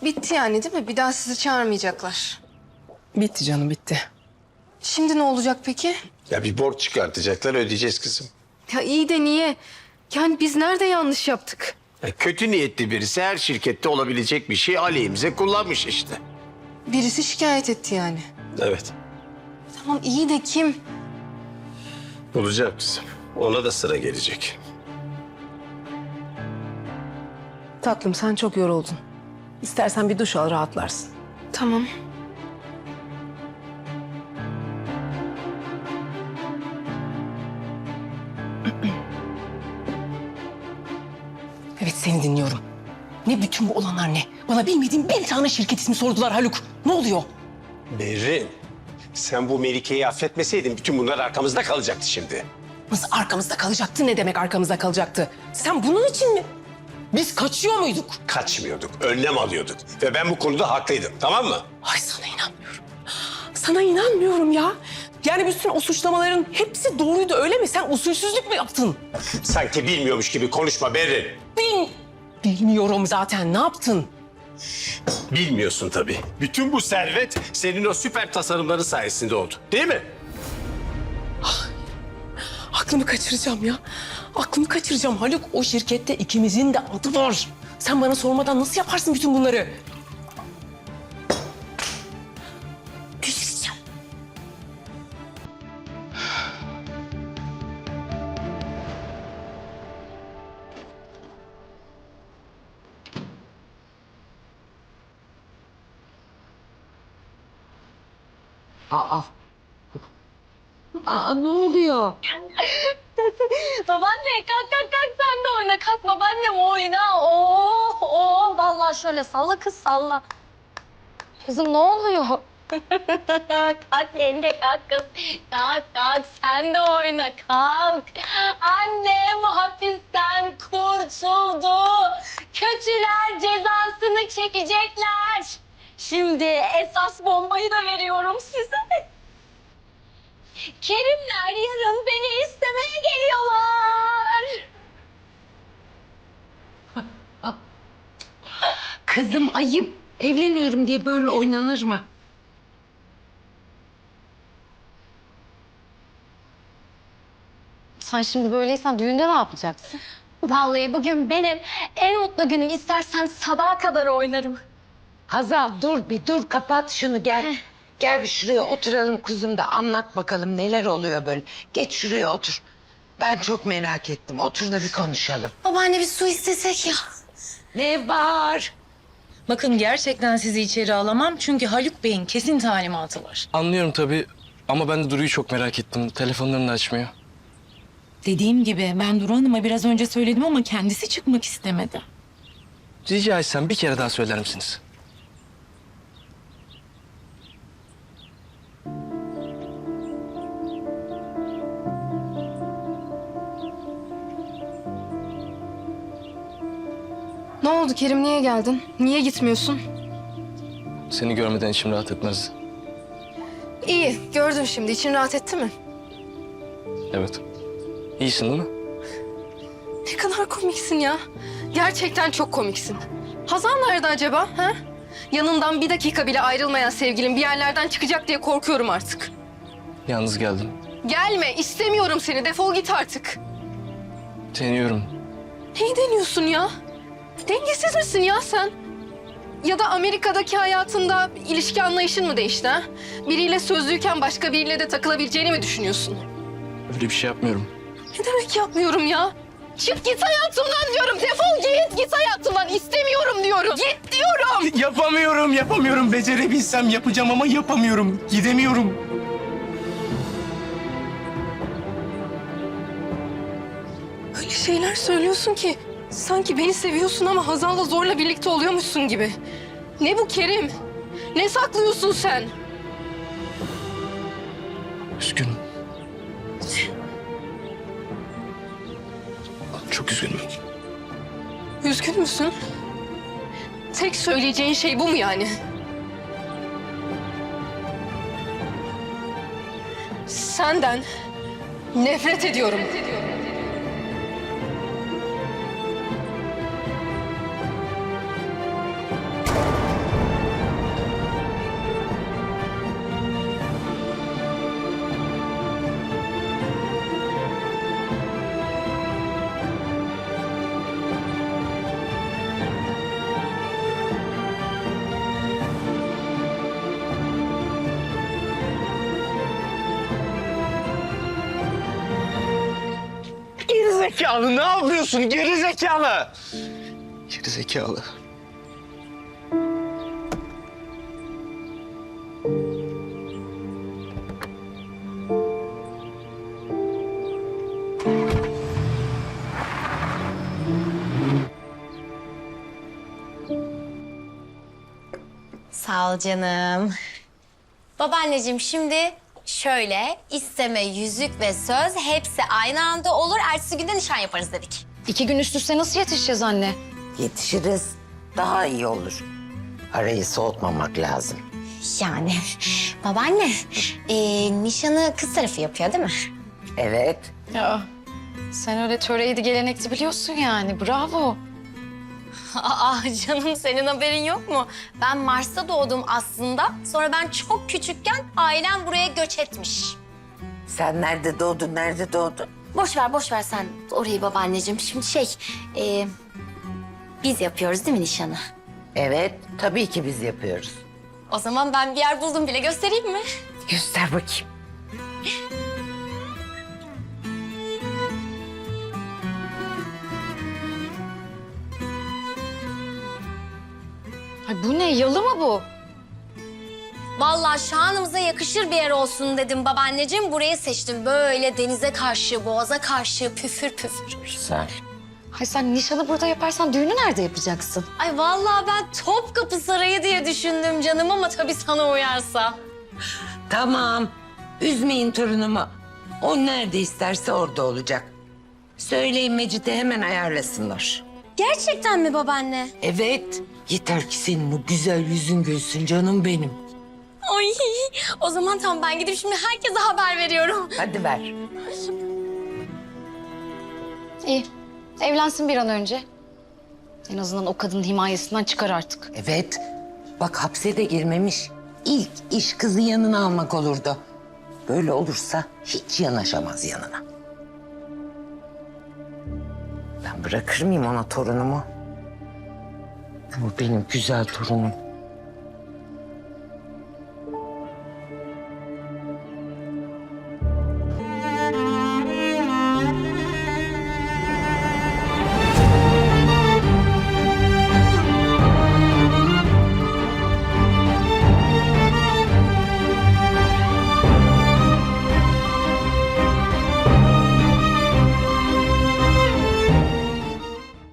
Bitti yani değil mi? Bir daha sizi çağırmayacaklar. Bitti canım, bitti. Şimdi ne olacak peki? Ya bir borç çıkartacaklar, ödeyeceğiz kızım. Ya iyi de niye? Yani biz nerede yanlış yaptık? Kötü niyetli birisi her şirkette olabilecek bir şey aleyhimize kullanmış işte. Birisi şikayet etti yani. Evet. Tamam iyi de kim? Bulacak kızım. Ona da sıra gelecek. Tatlım, sen çok yoruldun. İstersen bir duş al, rahatlarsın. Tamam. Evet, seni dinliyorum. Ne bütün bu olanlar ne? Bana bilmediğim bir tane şirket ismi sordular Haluk. Ne oluyor? Berrin, sen bu Melike'yi affetmeseydin bütün bunlar arkamızda kalacaktı şimdi. Nasıl arkamızda kalacaktı? Ne demek arkamızda kalacaktı? Sen bunun için mi? Biz kaçıyor muyduk? Kaçmıyorduk, önlem alıyorduk. Ve ben bu konuda haklıydım, tamam mı? Ay, sana inanmıyorum. Sana inanmıyorum ya. Yani bütün o suçlamaların hepsi doğruydu, öyle mi? Sen usulsüzlük mü yaptın? Sanki bilmiyormuş gibi konuşma Berrin. Bilmiyorum zaten. Ne yaptın? Bilmiyorsun tabii. Bütün bu servet senin o süper tasarımların sayesinde oldu, değil mi? Aklımı kaçıracağım ya. Aklımı kaçıracağım Haluk. O şirkette ikimizin de adı var. Sen bana sormadan nasıl yaparsın bütün bunları? Delireceğim. Aa, ne oluyor? Babaanne kalk sen de oyna. Kalk babaannem oyna. Oo, vallahi şöyle salla kız salla. Kızım ne oluyor? Kalk yenge kalk kız. Kalk sen de oyna kalk. Annem hapisten kurtuldu. Kötüler cezasını çekecekler. Şimdi esas bombayı da veriyorum size. Kerimler yarın beni istemeye geliyorlar. Kızım ayıp. Evleniyorum diye böyle oynanır mı? Sen şimdi böyleysen düğünde ne yapacaksın? Vallahi bugün benim en mutlu günüm. İstersen sabaha kadar oynarım. Hazal dur bir dur, kapat şunu, gel. Gel bir şuraya oturalım kuzum da anlat bakalım neler oluyor böyle. Geç şuraya otur. Ben çok merak ettim. Otur da bir konuşalım. Babaanne bir su istesek ya. Ne var? Bakın gerçekten sizi içeri alamam çünkü Haluk Bey'in kesin talimatı var. Anlıyorum tabii ama ben de Duru'yu çok merak ettim. Telefonlarını da açmıyor. Dediğim gibi ben Duru Hanım'a biraz önce söyledim ama kendisi çıkmak istemedi. Rica etsem bir kere daha söyler misiniz? Ne oldu Kerim? Niye geldin? Niye gitmiyorsun? Seni görmeden içim rahat etmez. İyi. Gördüm şimdi. İçin rahat etti mi? Evet. İyisin değil mi? Ne kadar komiksin ya. Gerçekten çok komiksin. Hazal nerede acaba? Ha? Yanından bir dakika bile ayrılmayan sevgilim bir yerlerden çıkacak diye korkuyorum artık. Yalnız geldim. Gelme. İstemiyorum seni. Defol git artık. Deniyorum. Neyi deniyorsun ya? Dengesiz misin ya sen? Ya da Amerika'daki hayatında ilişki anlayışın mı değişti ha? Biriyle sözlüyken başka biriyle de takılabileceğini mi düşünüyorsun? Öyle bir şey yapmıyorum. Ne demek yapmıyorum ya? Çık git hayatımdan diyorum. Defol git hayatımdan. İstemiyorum diyorum. Git diyorum. Yapamıyorum. Becerebilsem yapacağım ama yapamıyorum. Gidemiyorum. Öyle şeyler söylüyorsun ki sanki beni seviyorsun ama Hazal'la zorla birlikte oluyormuşsun gibi. Ne bu Kerim? Ne saklıyorsun sen? Üzgünüm. Çok üzgünüm. Üzgün müsün? Tek söyleyeceğin şey bu mu yani? Senden nefret ediyorum. Gerizekalı ne yapıyorsun? Gerizekalı. Gerizekalı. Sağ ol canım. Babaanneciğim şimdi şöyle isteme, yüzük ve söz hepsi aynı anda olur. Ertesi günde nişan yaparız dedik. 2 gün üst üste nasıl yetişeceğiz anne? Yetişiriz. Daha iyi olur. Arayı soğutmamak lazım. Yani babaanne nişanı kız tarafı yapıyor değil mi? Evet. Ya sen öyle töreydi gelenekti biliyorsun yani. Bravo. Aa canım senin haberin yok mu? Ben Mars'ta doğdum aslında. Sonra ben çok küçükken ailem buraya göç etmiş. Sen nerede doğdun, nerede doğdun? Boş ver sen orayı babaanneciğim. Şimdi biz yapıyoruz değil mi nişanı? Evet, tabii ki biz yapıyoruz. O zaman ben bir yer buldum bile, göstereyim mi? Göster bakayım. Ay bu ne? Yalı mı bu? Vallahi şanımıza yakışır bir yer olsun dedim babaanneciğim. Burayı seçtim. Böyle denize karşı, boğaza karşı püfür püfür. Güzel. Ay sen nişanı burada yaparsan düğünü nerede yapacaksın? Ay vallahi ben Topkapı Sarayı diye düşündüm canım ama tabii sana uyarsa. Tamam. Üzmeyin torunumu. O nerede isterse orada olacak. Söyleyin Mecit'e hemen ayarlasınlar. Gerçekten mi babaanne? Evet. Yeter ki senin o güzel yüzün gülsün canım benim. Ay o zaman tamam ben gidip şimdi herkese haber veriyorum. Hadi ver. İyi. Evlensin bir an önce. En azından o kadının himayesinden çıkar artık. Evet. Bak hapse de girmemiş. İlk iş kızı yanına almak olurdu. Böyle olursa hiç yanaşamaz yanına. Ben bırakır mıyım ona torunumu? Bu benim güzel torunum.